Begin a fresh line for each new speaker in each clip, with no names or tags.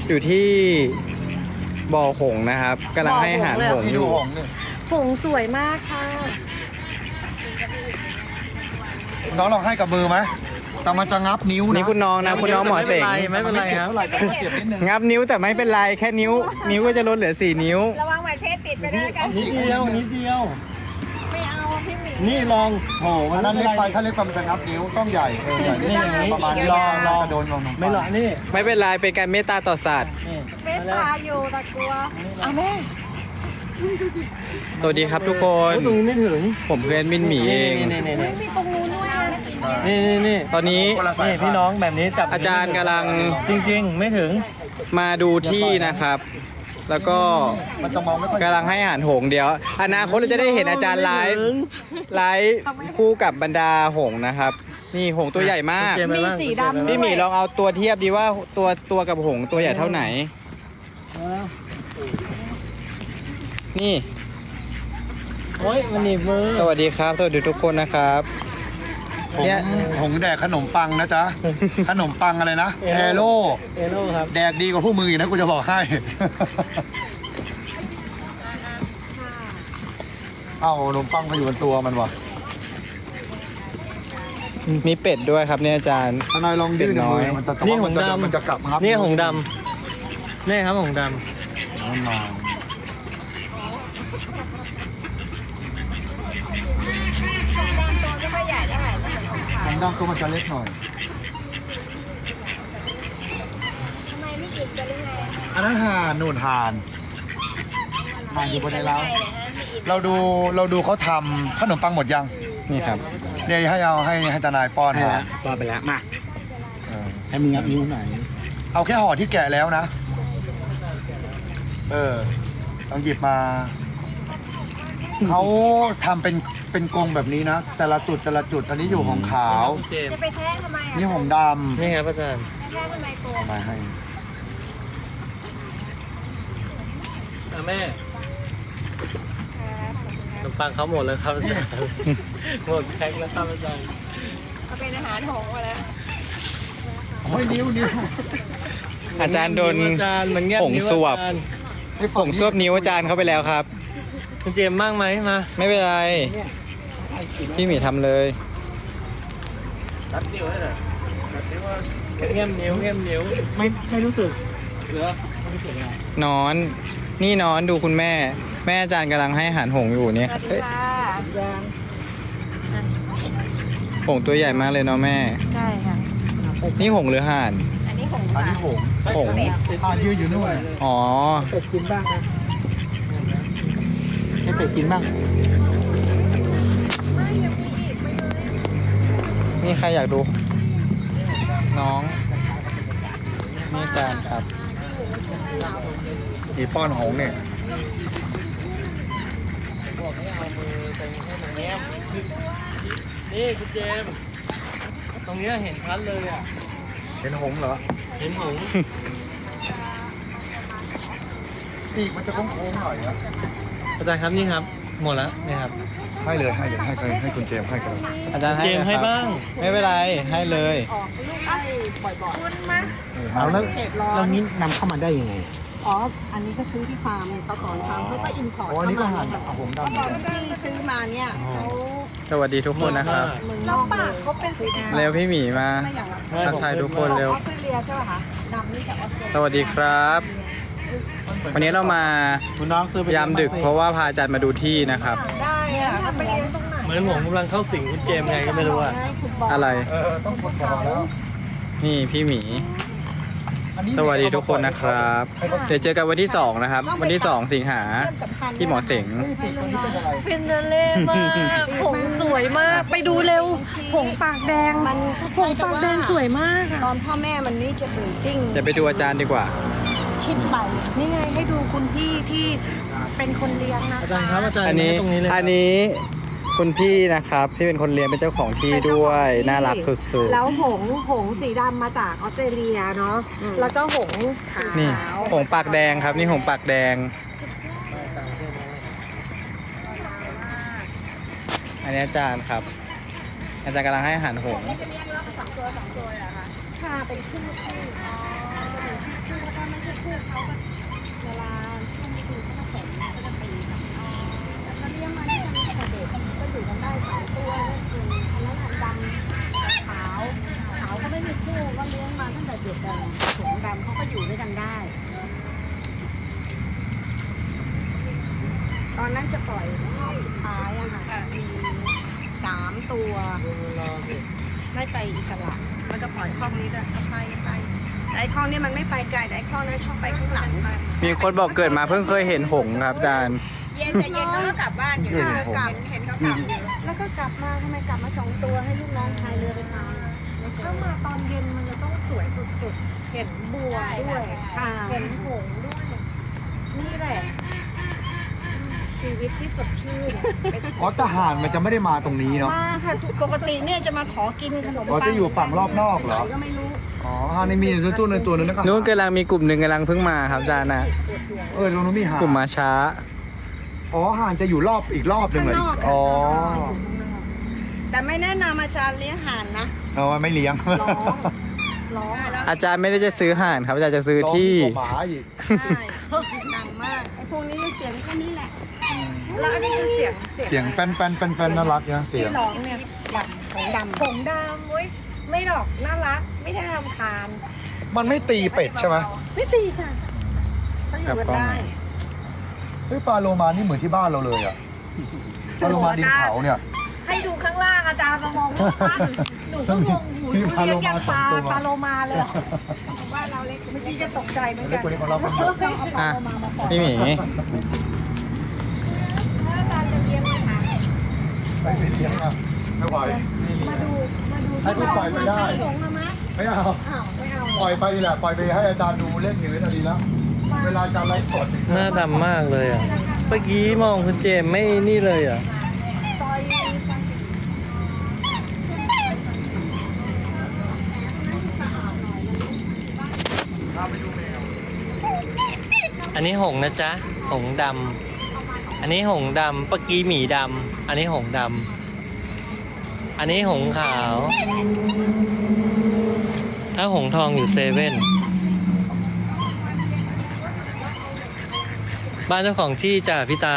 อยู่ที่บ่อหงส์นะครับกำลังให้อาหารหงส์อยู่
หงส์สวยมากค่ะ
น้องลองให้กับมือไหมแต่มันจะงับนิ้วนะ
นี่คุณน้องนะคุณน้องหมอเสง
ไม่เป็นไรครับ
เท่าไหร่แต่ก็เจ็บนิดนึง
งับนิ้วแต่ไม่เป็นไรแค่นิ้วก็จะลดเหลือ4 นิ้ว
ระวังไหวเพศติดไปด้วยกัน
นิดเดียวนิดเดียว
ไม่เอาพี่หมี
นี่ลองโห
อันนั้นเล็กไปถ้าเล็กไปมันจะงับนิ้วต้องใหญ่ใหญ่
นี่อย่างนี้
ประมาณนี้
ลอง
จะโดนลง
ไม่หรอกนี่
ไม่เป็นไรเป็นการเมตตาต่อสัตว์
นี่
เมตตาอยู่แต่กลัวอ่ะแม่
สวัสดีครับทุกคน
ตรงนี้ไม่ถึง
ผมคือแอดมินหมีเอง
นี่
มีตรงนู้นด้วยนะ
นี่
ตอนนี้
นี่พี่น้องแบบนี้จับ
อาจารย์กำลัง
จริงๆไม่ถึง
มาดูที่นะครับ แล้วก็
มันจะมองไม่ค่อย
กำลังให้อาหารหงส์เดี๋ยวอนาคตเราจะได้เห็นอาจารย์ไลฟ์คู่กับบรรดาหงส์นะครับ นี่หงส์ตัวใหญ่มาก
มีสีดำ
พี่หมีลองเอาตัวเทียบดีว่าตัวกับหงส์ตัวใหญ่เท่าไหน นี่
โอ้ยมันหนีบมือ
สวัสดีครับ สวัสดีทุกคนนะครับ เนี่ย
หงแดกขนมปังนะจ๊ะ ขนมปังอะไรนะแอโร่
เอโร่ครับ
แดกดีกว่าพวกมึงอีกนะกูจะบอกให้ เอ้าขนมปังมาอยู่บนตัวมันวะ
มีเป็ดด้วยครับเนี่ยอาจารย์
ทนายลองยืด
เป็นน้อย
มืมันจะ
นี่หงส์ดำ
มันจะกลับงับ
นี่หงส์ดำนี่ครับหงส์ด
มันมา
ตัวไม่ค่อยใหญ่เท่าไหร่ไม่เหมือนของเขา
หงส์ดำตัวมันจะเล็กหน่อย
ทำไมไม่อิ่มกันหรือไง
อันนั้นห่านนู่นห่านห่านอยู่บนในเล้า
ไม่อิ่ม
เราดูเขาทำขนมปังหมดยัง
นี่ครับ
เนี่ยให้ทนายป้อนมา
ป้อนไปแล้วมา
เออ
ให้มึงงับนิ้วหน่อย
เอาแค่ห่อที่แกะแล้วนะ ต้องหยิบมา เขาทำเป็นกรงแบบนี้นะ แต่ละจุดอันนี้อยู่ของขาว
ำเจม
จะไปแท้ทำไมอ่ะ
นี่ของด
นี่ครับอาจารย์
แท้ทำไมตัว
ำมาให้
แม่ขนมปังเขาหมดแล้วครับอาจารย์หมดแพ็คแล้วครับอาจารย์
เอาเป็นอาหารหงส์มาแล้ว
โอ้ยนิ้ว
อาจารย์โดน
อาจารย์มันแงบ
หงส์
นิ้ว
สวบ
อาจารย์
หงส์ซวบนิ้วอาจารย์เข้าไปแล้วครับ
คุณเจมส์บ้างไหมมา
ไม่เป็นไร พี่หมีทำเลย
แง้มนิ้วไม่รู้สึกเหรอน
อน นี่นอนดูคุณแม่ แม่อาจารย์กำลังให้อาหารหงส์อยู่เนี่ย
สวัสดี
เฮ้ย
ค่ะ
หงส์ตัวใหญ่มากเลยเนาะแม่
ใช่ค่ะ
นี่หงส์หรือห่าน
อันนี้หงส์
อันนี้หงส์
หงส์
ห่านยืนอยู่นู่น
อ๋อ
เป็ดกินบ้างนะให้เป็ดกินบ้าง
นี่ใครอยากดู น้อง นี่อาจารย์ครับ
อีป้อนหงส์เนี่ย
บอกให้เอามือตรงให้มันแง้มนี่คุณเจมส์ตรงเนี้ยเห็นชัดเลยอ่ะ
เห็นหงส์เหรอ
เห็นหงส์
ปีกมันจะโค้งๆหน่อยนะ
อาจารย์ครับนี่ครับ หมดแล้วนี่ครับ
ให้คุณเจมส์ให้กัน
อาจารย์ให้
เจมส์ให้
นะครับ
บ้าง
ไม่เป็นไร ให้เลย
ออกลูกไอ้บ่อยๆคุณมา
เอาแล้ว
เขตร้อน
แล้วนี้นำเข้ามาได้ยังไง
อ๋อ อันนี้ก็ซื้อที่ฟาร์มตะกอนฟาร์มเขาก็อินพอร์ต
โอ้อันนี้ก็
เข้า
ห่าน
มา
หงส์ดำเหมือนกัน
ที่ซื้อมาเนี่ยเขา
สวัสดีทุกคนนะครับ
เมืองน
แล้ว
อก
ปากเขาเป็นสีแดง
เร็วพี่หมีมา
ไม่อย่างละ
ทักทายทุกคนเร็ว
ออสเตรเลียใช่ป่ะคะ
ดำนี่จากออสเตรเลีย
สวัสดีครับ วันนี้เรามา
คุณน้องซื้อไป
ยามดึกเพราะว่าพาอาจารย์มาดูที่นะครับ
ได้อะถ้าไปเลี้ยงตรงไหน
เหมือนผมกำลังเข้าสิงคุณเจมส์ไงก็ไม่รู้อ่ะ
ฟุตบอล
อะไร
ต้องกดก่อนแล้ว
นี่พี่หมี สวัสดีทุกคนนะครับ เดี๋ยวเจอกันวันที่ 2 นะครับ วันที่ 2 สิงหา
เชื่อมสัมพันธ์
ที่หมอเสง
ปีกตัวนี้เป็นอะไร
ฟินเนเล่มากผงสวยมาก ไปดูเร็วผงปากแดง
มัน
ผงปากแดงสวยมากอะ
ตอนพ่อแม่มันนี่จะเบิร์ติ้ง
เดี๋ยวไปดูอาจารย์ดีกว่า
ชิดไป
นี่ไงให้ดูคุณพี่ที่เป็นคนเลี้ยงนะ
อาจารย์ครับอาจารย์
อันนี้
ตรงนี้เลยครับ
อันนี้คุณพี่นะครับที่เป็นคนเลี้ยงเป็นเจ้าของที่ด้วย น่ารักสุด
แล้วหงส์สีดำมาจากออสเตรเลียเนาะแล้วก็หงส์ขาว
ๆ นี่หงส์ปากแดงครับ นี่หงส์ปากแดง อันนี้อาจารย์ครับ อาจารย์กำลังให้อาหารหงส์
ค่ะเป็นคู่คู่แล้วก็ไม่ใช่เขาก็เวลาช่วงฤดูเขาผสมก็จะตีกันแล้วก็เลี้ยงมาที่ทำแต่เด็กก็อยู่กันได้2 ตัวนั่นคืออันนั้นดำขาวก็ไม่มีคู่ก็เลี้ยงมาตั้งแต่เด็กเลยผสมดำเขาก็อยู่ด้วยกันได้ ตอนนั้นจะปล่อยรอบสุดท้ายอะค่ะมี3 ตัวไม่ไปอิสระมันจะปล่อยข้องนี้ด้วยไปแต่ไอ้ข้องนี้มันไม่ไปไกลแต่ไอ้ข้องนั้นชอบไปข้างหลังมา
มีคนบอกเกิดมาเพิ่งเคยเห็นหงส์ครับอาจารย์
เย็นแต่เย็นแล้วก็กลับบ้านอยู่
ค่ะ
กลับเห็นเขากลับอยู่
แล้วก็กลับมาทำไมกลับมา2 ตัวให้ลูกน้องพายเรือไปตามถ้ามาตอนเย็นมันจะต้องสวยสุดๆเห็นบัวด้วยเห็นหงส์ด้วยนี่แหละชีวิตที่สดชื่น
อ๋อทหารมันจะไม่ได้มาตรงนี้เนาะ
มาค่ะปกติเนี่ยจะมาขอกินขนม
อ๋อ
ปัง
จะอยู่ฝั่งรอบนอกเหรอ
ไปไหก็ไม่รู้
อ๋อฮานี่มีตัวนึงตัวนึงนะครับ
นู้นกำลังมีกลุ่มหนึ่งกำลังเพิ่งมาครับอาจารย์นะ
ตรงนู้นมีห่าน
กลุ่มมาช้า
อ๋อห่านจะอยู่รอบอีกรอบหนึ่งเลย
ข้างนอก
อ๋อ
แต่ไม่แนะนำอาจารย์เลี้ยงห่านนะ
เอาไม่เลี้ยง
ร้อง
อาจารย์ไม่ได้จะซื้อห่านครับอาจารย์จะซื้อที่
ร้องกว่าหมาอีก
ใช่ดังมากไอ้พวกนี้เสียงแค่นี้แหละ
แล้วอันนี้คือเสียง
เสียงแป้นน่ารักนะเสียง
ที่ร้องเนี่ยดำ
ผมดำเว้ยไม่หรอกน่ารักไม่ได้รำคาญ
มันไม่ตีเป็ดใช่ไหม
ไม่ตีค่ะเขาอยู่กันได้
เฮ้ยปลาโลมานี่เหมือนที่บ้านเราเลยอะปลาโลมาดินเผาเนี่ย
ให้ดูข้างล่างอาจารย์มามองรูปปั้นหนูก็งงหู
มี
เรียกอย่าง
ปลาโลมาสองตัว
ปลาโลมาเลยเหรอ
ว่าเราเล็กเมื่อกี้จะตกใจเหมือน
เล็ก
กัน
กว่านี้ของเราเป็น
เราเอาปลา
อ่ะ
โลมาปล่อย
พี่หมี
ถ้าอาจารย์จะเลี้ยงไหมคะ
ไปเลี้ยงอ่ะไม่ไหว
มาดู
ให้พี่ปล่อยไปได้
หลงมาไหม
ไม่เอา
อ้าวไม่เอา
ปล่อยไปดีแหละปล่อยไปให้อาจารย์ดูเล่นอยู่นั่นดีแล้ว เวลาอาจารย์ไลฟ์สด
หน้าดำมากเลยอ่ะ เมื่อกี้มองคุณเจมส์ไม่นี่เลยอ่ะ
ซอย
อันนี้หงส์นะจ๊ะ หงส์ดำ อันนี้หงส์ดำเมื่อกี้หมีดำ อันนี้หงส์ดำ อันนี้หงส์ขาว ถ้าหงส์ทองอยู่เซเว่น บ้านเจ้าของที่จ่าพิตา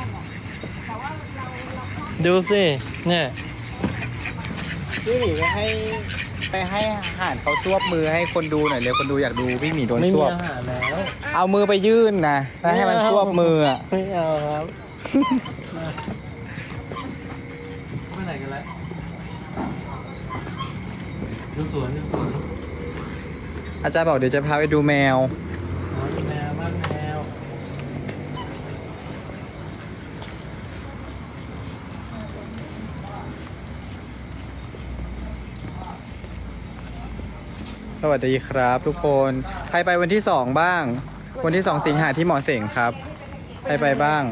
ดูสิ เนี่ย
พี่หมีไปให้ห่านเขาซวบมือให้คนดูหน่อยเร็วคนดูอยากดูพี่หมีโดน
ไม่
ซ
มี
วบ
อาหารแล้ว
เอามือไปยื่นนะแล้วให้มันซวบมืออ่ะ
ไม่เอาครับ ไปไหนกันแล้ว ดูสวนดูสวน
อาจารย์บอกเดี๋ยวจะพาไปดูแมว
อ๋อดูแมวบ้านแมว
สวัสดีครับทุกคนใครไปวันที่2บ้าง วันที่2สิงหาที่หมอเสงครับใครไปบ้าง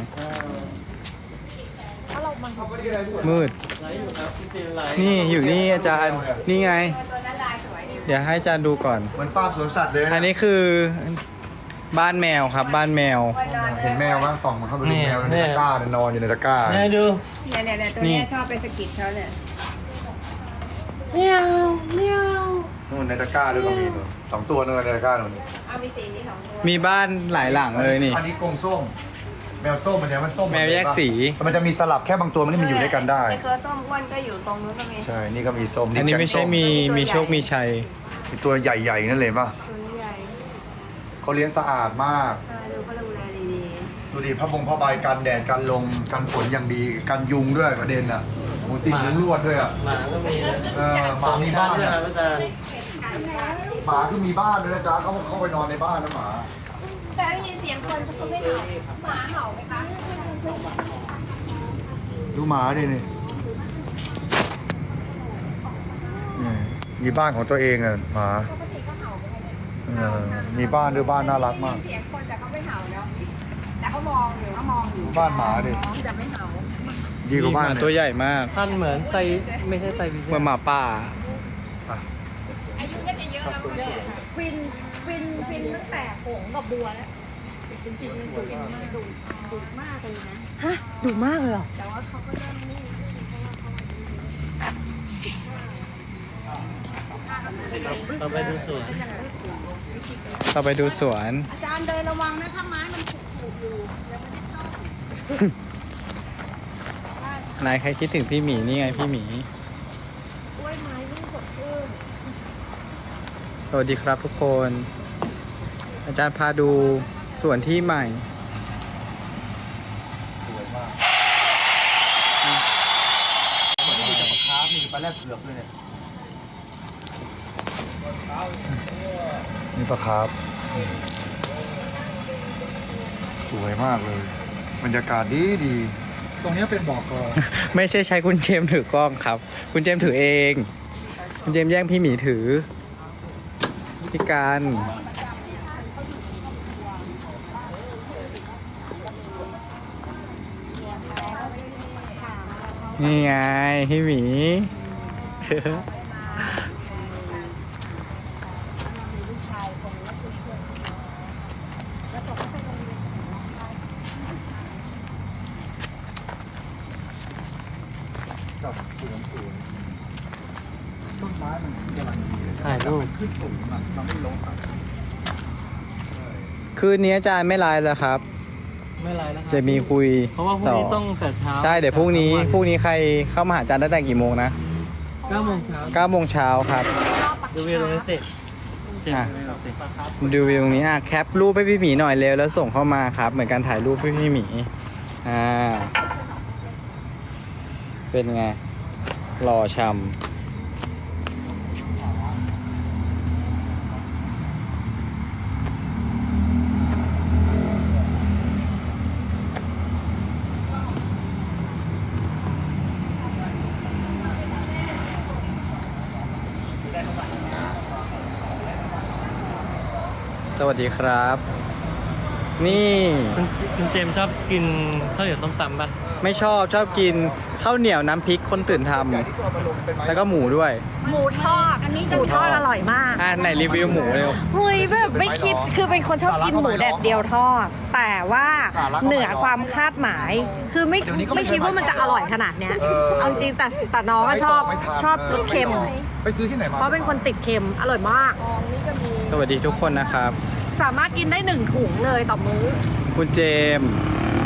มืด
ไลฟ์อยู่ครับคุณเจมส์ไลฟ์
นี่อยู่นี่อาจารย์นี่ไง เดี๋ยวให้อาจารย์ดูก่อน
เหมือนฟาร์มสวนสัตว์เลย
อันนี้คือบ้านแมวครับบ้านแมว
เห็นแมวมั้ยส่องมันเข้าไปดูแมวในตะกร้าเนี่ยนอนอยู่ในตะกร้า
แม่ดู
เนี่ยตัวเนี้ยชอบไปสะกิดเขาเนี่ย
นู่นในตะกร้าด้วยก็มีนู่น2 ตัวนู่นในตะกร้านู่น
เอามีสีนี้สองตัว
มีบ้านหลายหลังเลยนี่
อันนี้กรงส้ม แมวส้มมันเนี่ยมันส้ม
แมวแยกสี
มันจะมีสลับแค่บางตัวมันที่มันอยู่ด้วยกันได้
ไอ้ตัวส้มอ้วนก็อยู่ตรงนู้นก็มี
ใช่ นี่ก็มีส้ม
อันนี้ไม่ใช่มีโชคมีชัย
มีตัวใหญ่ๆนั่นเลยป่ะ
ตัวนี้ใหญ่
เขาเลี้ยงสะอาดมาก
ดูเขาดูแลดี
ดูดิผ้าใบกันแดดกันลมกันฝนอย่างดีกันยุงด้วยประเด็นอ่ะหมูติดมุ้งลวดด้วยอ่ะ
หมาก็มีนะ
หมามีบ้าน
ด้วย
อ่ะ
ครับอาจารย์
หมาคือมีบ้านด้วยนะจ๊ะเขาเข้าไปนอนในบ้านนะหมา
ๆแต่ได้ยินเสียงคนเขาไม่เห่าหมาเห่าไหมคะ
ดูหมาดินี่มีบ้านของตัวเองอ่ะหมามีบ้านด้วยบ้านน่ารักมาก
เสียงคนแต่เขาไม่เห่าเนาะแต่เขามองอยู่
บ้านหมาดิ
แต่ไม่เห่า
ดีกว่าบ้าน
หมา
เนี่ย
ตัวใหญ่มาก
ท่านเหมือนไตไม่ใช่ไตวิเศ
เหมือนหมาป่า
อายุน่าจะเยอะแล้วมั้งเนี่ยฟินตั้งแต่หงกับบัวแล้ว
จริงๆมันดุมากดุมากเลยนะ
ฮะดุมากเลยเหรอ
แต่ว่าเขาก็เริ่มนิ่งเพราะว่าเขา
เราไปดูสวน
เราไปดูสวน
อาจารย์เดินระวังนะคะไม้มันถูกอยู่ยังไม่ได้ซ่อม
นายใครคิดถึงพี่หมีนี่ไงพี่หมี
กล้วยไม้ที่สดชื่น
สวัสดีครับทุกคน อาจารย์พาดูสวนที่ใหม่
สวยมากมันมีแต่ปลาคาร์ฟมีปลาแรดเผือกด้วยเนี่ยนี่ปลาคาร์ฟสวยมากเลย บรรยากาศดีดี ตรงนี้เป็นบ่อกอ
ไม่ใช่ใช้คุณเจมส์ถือกล้องครับ คุณเจมส์ถือเอง คุณเจมส์แย่งพี่หมีถือพี่การนี่ไงพี่หมี
จับสวนสวยต้นไม้มันกำลังดีเลย
ถ่ายรูป
มันขึ้นสูงอ่ะมันไม่ลงอ่ะ
คืนนี้อาจารย์ไม่ไลฟ์แล้วครับ
ไม่ไรแล้วครั
จะมีคุย
เพราะว่าพรุ่งนี้ต้องแต่เช้า
ใช่เดี๋ยวพรุ่งนี้ใครเข้ามาหาอาจารย์ได้แต่กี่โมงนะ
9 โมงเช้า
9 โมงเช้าครับ
ดูวิวตรงนี้เสร็จเสร็จ
อ่ะ
วิวเสร็จ
ดูวิวตรงนี้แคปรูปให้พี่หมีหน่อยเร็วแล้วส่งเข้ามาครับ เหมือนการถ่ายรูปให้พี่หมีเป็นไงหล่อชำสวัสดีครับ นี่
คุณเจมส์ชอบกินข้าวเหนียวส้มตำป่ะ
ไม่ชอบกินข้าวเหนียวน้ำพริกคนตื่นท
ใหญ่ที่ก็เอามาลงเป็นไม้
ำแล้วก็หมูด้วย
หมูทอด อันนี้หมูทอดอร่อยมาก
ไหนรีวิวหมูเร็ว
เฮ้ยแบบไม่คิดคือเป็นคนชอบกินหมูแดดเดียวทอด แต่ว่าเหนือความคาดหมาย คือไม่คิดว่ามันจะอร่อยขนาดเนี้ยเอาจริงแต่น้องก็ชอบรสเค็ม
ไปซื้อที่ไหนมา
เพราะเป็นคนติดเค็มอร่อยมาก
สวัสดีทุกคนนะครับ
สามารถกินได้1 ถุงเลยต่อมื้อ
คุณเจมส์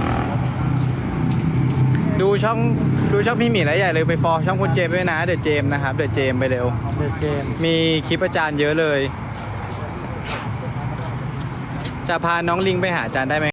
ดูช่องพี่หมีแล้วใหญ่เลยไปฟอลช่องคุณเจมส์ด้วยนะเดอะเจมส์นะครับเดอะเจมส์ไปเร็ว
เดอะเจมส์
มีคลิปอาจารย์เยอะเลย จะพาน้องลิงไปหาอาจารย์ได้ไหม